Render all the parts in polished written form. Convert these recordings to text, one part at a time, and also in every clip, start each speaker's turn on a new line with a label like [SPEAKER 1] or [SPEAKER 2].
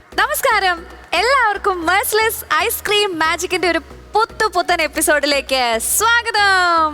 [SPEAKER 1] നമസ്കാരം, എല്ലാവർക്കും മെർസിലസ് ഐസ്ക്രീം മാജിക്കിന്റെ ഒരു പുത്തൻ എപ്പിസോഡിലേക്ക് സ്വാഗതം.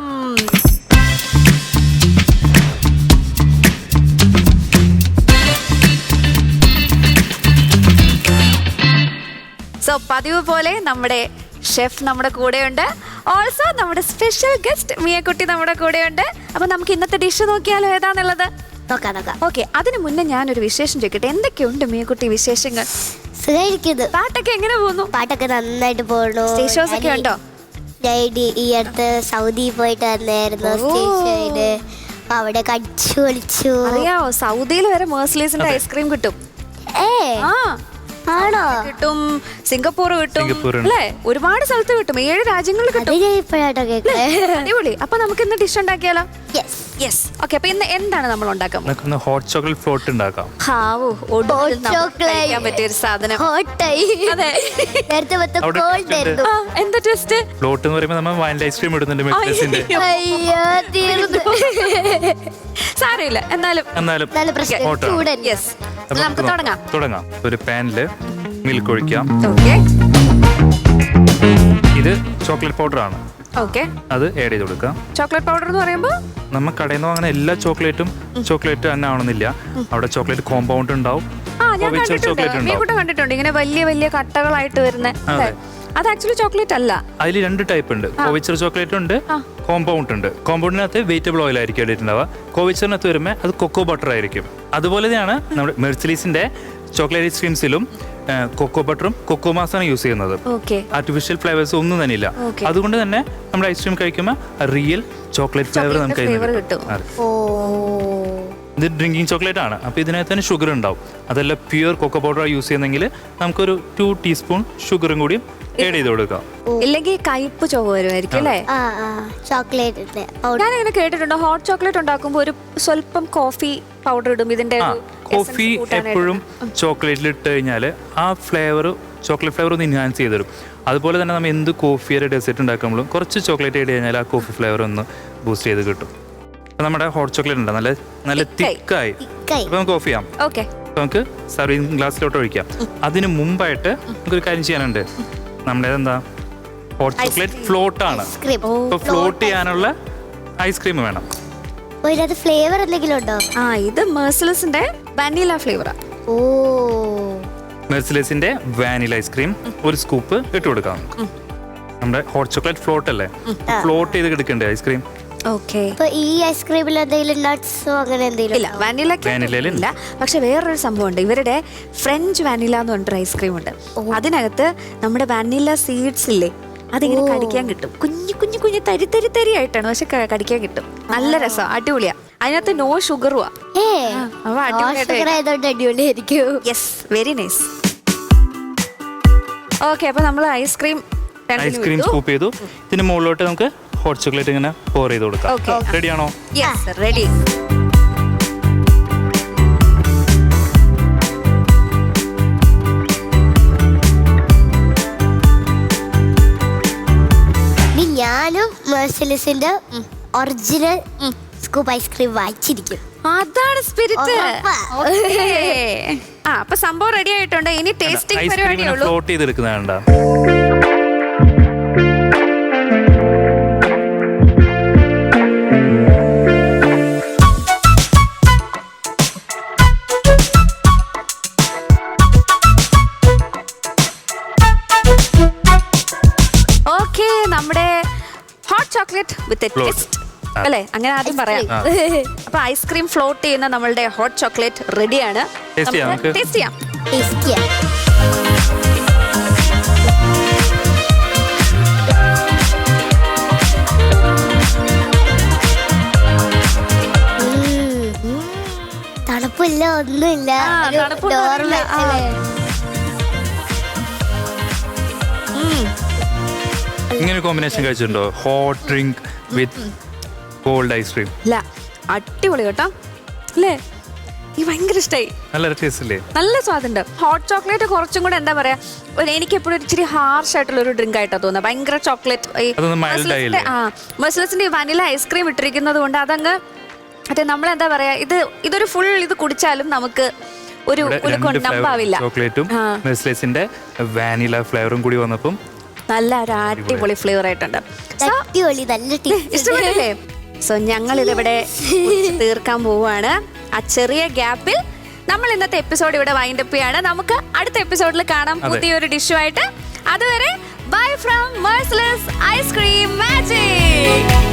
[SPEAKER 1] സോ പതിവ് പോലെ നമ്മുടെ ഷെഫ് നമ്മുടെ കൂടെയുണ്ട്. ഓൾസോ നമ്മുടെ സ്പെഷ്യൽ ഗസ്റ്റ് മിയക്കുട്ടി നമ്മുടെ കൂടെയുണ്ട്. അപ്പൊ നമുക്ക് ഇന്നത്തെ ഡിഷ് നോക്കിയാലോ ഏതാന്നുള്ളത്
[SPEAKER 2] നോക്കാം.
[SPEAKER 1] ഓക്കെ, അതിനു മുന്നേ ഞാനൊരു വിശേഷം ചോദിക്കട്ടെ. എന്തൊക്കെയുണ്ട് മിയക്കുട്ടി വിശേഷങ്ങൾ? പാട്ടൊക്കെ എങ്ങനെ പോകുന്നു?
[SPEAKER 2] പാട്ടൊക്കെ നന്നായിട്ട് പോകുന്നു.
[SPEAKER 1] സ്റ്റേജ് ഷോസ് ഒക്കെ ഉണ്ടോ?
[SPEAKER 2] ഈ അടുത്ത് സൗദി പോയിട്ട് വന്നായിരുന്നു. സ്റ്റേജ് ഷോയില് അവിടെ കടിച്ചു പൊളിച്ചു.
[SPEAKER 1] അറിയാവോ, സൗദിയിൽ വരെ മെർസിലീസിന്റെ ഐസ്ക്രീം കിട്ടും. ആ
[SPEAKER 2] ആണോ?
[SPEAKER 1] കിട്ടും, സിംഗപ്പൂർ കിട്ടും, അല്ലേ? ഒരുപാട് സ്ഥലത്ത് കിട്ടും, 7 രാജ്യങ്ങളിൽ കിട്ടും. അടിപൊളി. അപ്പൊ നമുക്ക് ഇന്ന് ഡിഷ് ഉണ്ടാക്കിയാലോ? യെസ്. ഓക്കെ, അപ്പൊ ഇന്ന് എന്താണ് നമ്മൾ ഉണ്ടാക്കാൻ?
[SPEAKER 3] ഹോട്ട് ചോക്ലേറ്റ് ഫ്ലോട്ട് ഉണ്ടാക്കാം.
[SPEAKER 1] പറ്റിയ ഒരു സാധനം. എന്താ ട്വിസ്റ്റ്?
[SPEAKER 3] ഫ്ലോട്ട് എന്ന് പറയുമ്പോൾ നമ്മൾ വാനില ഐസ്ക്രീം ഇടുന്നുണ്ട് മെക്സിന്റെ.
[SPEAKER 1] സാരമില്ല, എന്നാലും നമുക്ക്
[SPEAKER 3] തുടങ്ങാം. ഒരു പാനില് മിൽക്ക് ഒഴിക്കാം.
[SPEAKER 1] ഓക്കെ,
[SPEAKER 3] ഇത് ചോക്ലേറ്റ് പൗഡർ ആണ്.
[SPEAKER 1] ഓക്കെ,
[SPEAKER 3] അത് ആഡ് ചെയ്ത് കൊടുക്കാം.
[SPEAKER 1] ചോക്ലേറ്റ് പൗഡർ എന്ന് പറയുമ്പോൾ
[SPEAKER 3] നമ്മൾ കടയിൽ നിന്ന് വാങ്ങുന്ന എല്ലാ ചോക്ലേറ്റും ചോക്ലേറ്റ് തന്നെ ആവണമെന്നില്ല. അവിടെ ചോക്ലേറ്റ് കോമ്പൗണ്ട് ഉണ്ടാവും,
[SPEAKER 1] കണ്ടിട്ടുണ്ട് ഇങ്ങനെ വലിയ വലിയ കട്ടകളായിട്ട് വരുന്ന. അത് ആക്ച്വലി ചോക്ലേറ്റ് അല്ല.
[SPEAKER 3] അതിൽ 2 ടൈപ്പ് ഉണ്ട്. കോവിച്ചർ ചോക്ലേറ്റ് ഉണ്ട്, കോമ്പൗണ്ട് ഉണ്ട്. കോമ്പൗണ്ടിനകത്ത് വെജിറ്റബിൾ ഓയിൽ ആയിരിക്കും ഇട്ടിട്ടുണ്ടാവുക. കോവിച്ചറിനകത്ത് വരുമ്പോൾ അത് കൊക്കോ ബട്ടർ ആയിരിക്കും. അതുപോലെ തന്നെയാണ് നമ്മുടെ മെർസിലീസിന്റെ ചോക്ലേറ്റ് ഐസ്ക്രീംസിലും കൊക്കോ ബട്ടറും കൊക്കോ മാസാണ് യൂസ് ചെയ്യുന്നത്. ആർട്ടിഫിഷ്യൽ ഫ്ലേവേഴ്സ് ഒന്നും തന്നെ ഇല്ല. അതുകൊണ്ട് തന്നെ നമ്മുടെ ഐസ്ക്രീം കഴിക്കുമ്പോൾ റിയൽ ചോക്ലേറ്റ് ഫ്ലേവർ നമുക്ക്
[SPEAKER 1] കിട്ടും.
[SPEAKER 3] ഇത് ഡ്രിങ്കിങ് ചോക്ലേറ്റ് ആണ്. അപ്പോൾ ഇതിനകത്ത് തന്നെ ഷുഗർ ഉണ്ടാവും. അതല്ല പ്യുവർ കൊക്കോ പൗഡർ യൂസ് ചെയ്യുന്നെങ്കിൽ നമുക്കൊരു 2 ടീസ്പൂൺ ഷുഗറും കൂടി ആഡ് ചെയ്ത് കൊടുക്കാം.
[SPEAKER 1] ഇല്ലെങ്കിൽ കയ്പ്പ് ചുവ വരുമായിരിക്കും, അല്ലേ? ഞാനിങ്ങനെ കേട്ടിട്ടുണ്ട്, ഹോട്ട് ചോക്ലേറ്റ് ഉണ്ടാക്കുമ്പോൾ ഒരു സ്വല്പം കോഫി പൗഡർ ഇടും. ഇതിന്റെ
[SPEAKER 3] കോഫി എപ്പോഴും ചോക്ലേറ്റിൽ ഇട്ട് കഴിഞ്ഞാൽ ആ ഫ്ലേവർ, ചോക്ലേറ്റ് ഫ്ലേവർ ഒന്ന് എൻഹാൻസ് ചെയ്ത് തരും. അതുപോലെ തന്നെ നമ്മൾ എന്ത് കോഫിയുടെ ഡെസേർട്ട് ഉണ്ടാക്കുമ്പോഴും കുറച്ച് ചോക്ലേറ്റ് ആഡ് കഴിഞ്ഞാൽ ആ കോഫി ഫ്ലേവർ ഒന്ന് ബൂസ്റ്റ് ചെയ്ത് കിട്ടും. നമ്മുടെ ഹോട്ട് ചോക്ലേറ്റ് ഉണ്ട്, നല്ല തിക്കായി. അപ്പൊ നമുക്ക് ഓഫ് ചെയ്യാം. നമുക്ക് സർവിങ് ഗ്ലാസ്സിലോട്ട് ഒഴിക്കാം. അതിന് മുമ്പായിട്ട് നമുക്കൊരു കാര്യം ചെയ്യാനുണ്ട്. നമ്മുടെ എന്താ, ഹോട്ട് ചോക്ലേറ്റ് ഫ്ലോട്ട് ആണ്. അപ്പൊ ഫ്ലോട്ട് ചെയ്യാനുള്ള ഐസ്ക്രീം വേണം.
[SPEAKER 2] ഫ്ലേവർ എന്തെങ്കിലും ഉണ്ടോ?
[SPEAKER 1] ഇത് മെർസിലസിന്റെ വാനില ഫ്ലേവറാ.
[SPEAKER 3] മെർസിലസിന്റെ വാനില ഐസ്ക്രീം ഒരു സ്കൂപ്പ് ഇട്ട് കൊടുക്കാം. നമ്മുടെ ഹോട്ട് ചോക്ലേറ്റ് ഫ്ലോട്ട് അല്ലേ, ഫ്ലോട്ട് ചെയ്ത് എടുക്കണ്ടേ ഐസ്ക്രീം.
[SPEAKER 2] ഈ ഐസ്ക്രീമിൽ എന്തെങ്കിലും നട്ട്സോ അങ്ങനെ എന്തെങ്കിലും
[SPEAKER 1] ഇല്ല, വാനില. പക്ഷെ വേറൊരു സംഭവം ഉണ്ട്. ഇവരുടെ ഫ്രഞ്ച് വാനില എന്ന് പറഞ്ഞൊരു ഐസ്ക്രീം ഉണ്ട്. അതിനകത്ത് നമ്മുടെ വാനില സീഡ്സ് ഇല്ലേ, അതിങ്ങനെ കടിക്കാൻ കിട്ടും. കുഞ്ഞു കുഞ്ഞു കുഞ്ഞു തരി ആയിട്ടാണ്, പക്ഷെ കടിക്കാൻ കിട്ടും. നല്ല രസം, അടിപൊളിയാ. അതിനകത്ത് നോ ഷുഗറുവാ. Very nice. ഓക്കെ, അപ്പൊ നമ്മൾ ഐസ്ക്രീം
[SPEAKER 3] സ്കൂപ്പ് ചെയ്തു. ഇതിന് മുകളിലോട്ട് നമുക്ക് ഹോട്ട് ചോക്ലേറ്റ് ഇങ്ങനെ പോർ ചെയ്ത് കൊടുക്കാം. റെഡിയാണോ?
[SPEAKER 1] Yes, ready.
[SPEAKER 2] ഞാനും മെർസിലസിന്റെ ഒറിജിനൽ സ്കൂപ്പ് ഐസ്ക്രീം വാങ്ങിച്ചിരിക്കും.
[SPEAKER 1] അതാണ് സ്പിരിറ്റ്. അപ്പൊ സംഭവം റെഡി ആയിട്ടുണ്ട്. ഇനി ടേസ്റ്റിംഗ് പരിപാടിയേ ഉള്ളൂ.
[SPEAKER 3] ഫ്ലോട്ട് ചെയ്തെടുക്കുന്നതാണ്ടാ.
[SPEAKER 1] നമ്മുടെ ഹോട്ട് ചോക്ലേറ്റ് വിത്ത് ട്വിസ്റ്റ് അല്ലേ, അങ്ങനെ ആദ്യം പറയാം. അപ്പൊ ഐസ്ക്രീം ഫ്ലോട്ട് ചെയ്യുന്ന നമ്മളുടെ ഹോട്ട് ചോക്ലേറ്റ് റെഡിയാണ്. ടേസ്റ്റ് ചെയ്യാം.
[SPEAKER 2] തണുപ്പില്ല, ഒന്നുമില്ല.
[SPEAKER 3] ഇങ്ങനെ കോമ്പിനേഷൻ കഴിച്ചിട്ടുണ്ടോ? Hot drink with cold ice cream.
[SPEAKER 1] അടിപൊളി കേട്ടോ, അല്ലേ? എനിക്ക് ഭയങ്കര ഇഷ്ടമായി.
[SPEAKER 3] നല്ല ടേസ്റ്റ് അല്ലേ?
[SPEAKER 1] നല്ല സ്വാദുണ്ട്. ഹോട്ട് ചോക്ലേറ്റ് കുറച്ചും കൂടെ എന്താ പറയാ, എനിക്ക് എപ്പോഴും ഇച്ചിരി ഹാർഷ് ആയിട്ടുള്ള ഒരു ഡ്രിങ്ക് ആയിട്ടാണ് തോന്നുന്നത്. ഭയങ്കര ചോക്ലേറ്റ്. മെർസിലസിന്റെ വാനില ഐസ്ക്രീം ഇട്ടിരിക്കുന്നത് കൊണ്ട് അതങ്ങ് നമ്മളെന്താ പറയാ, ഇതൊരു ഫുൾ ഇത് കുടിച്ചാലും നമുക്ക് ഒരു കൊണ്ടാവില്ല.
[SPEAKER 3] ചോക്ലേറ്റും നെസ്ലേസിന്റെ വാനില ഫ്ലേവറും കൂടി വന്നപ്പം
[SPEAKER 1] നല്ല ഒരു അടിപൊളി ഫ്ലേവർ ആയിട്ടുണ്ട്.
[SPEAKER 2] അടിപൊളി, നല്ല
[SPEAKER 1] ഇഷ്ടപ്പെട്ടില്ലേ? സോ ഞങ്ങൾ ഇതിവിടെ തീർക്കാൻ പോവുകയാണ്. ആ ചെറിയ ഗ്യാപ്പിൽ നമ്മൾ ഇന്നത്തെ എപ്പിസോഡ് ഇവിടെ വൈൻഡപ്പ് ചെയ്യാണ്. നമുക്ക് അടുത്ത എപ്പിസോഡിൽ കാണാം പുതിയൊരു ഡിഷുമായിട്ട്. അതുവരെ ബൈ ഫ്രം മെർസിലസ് ഐസ്ക്രീം മാജിക്.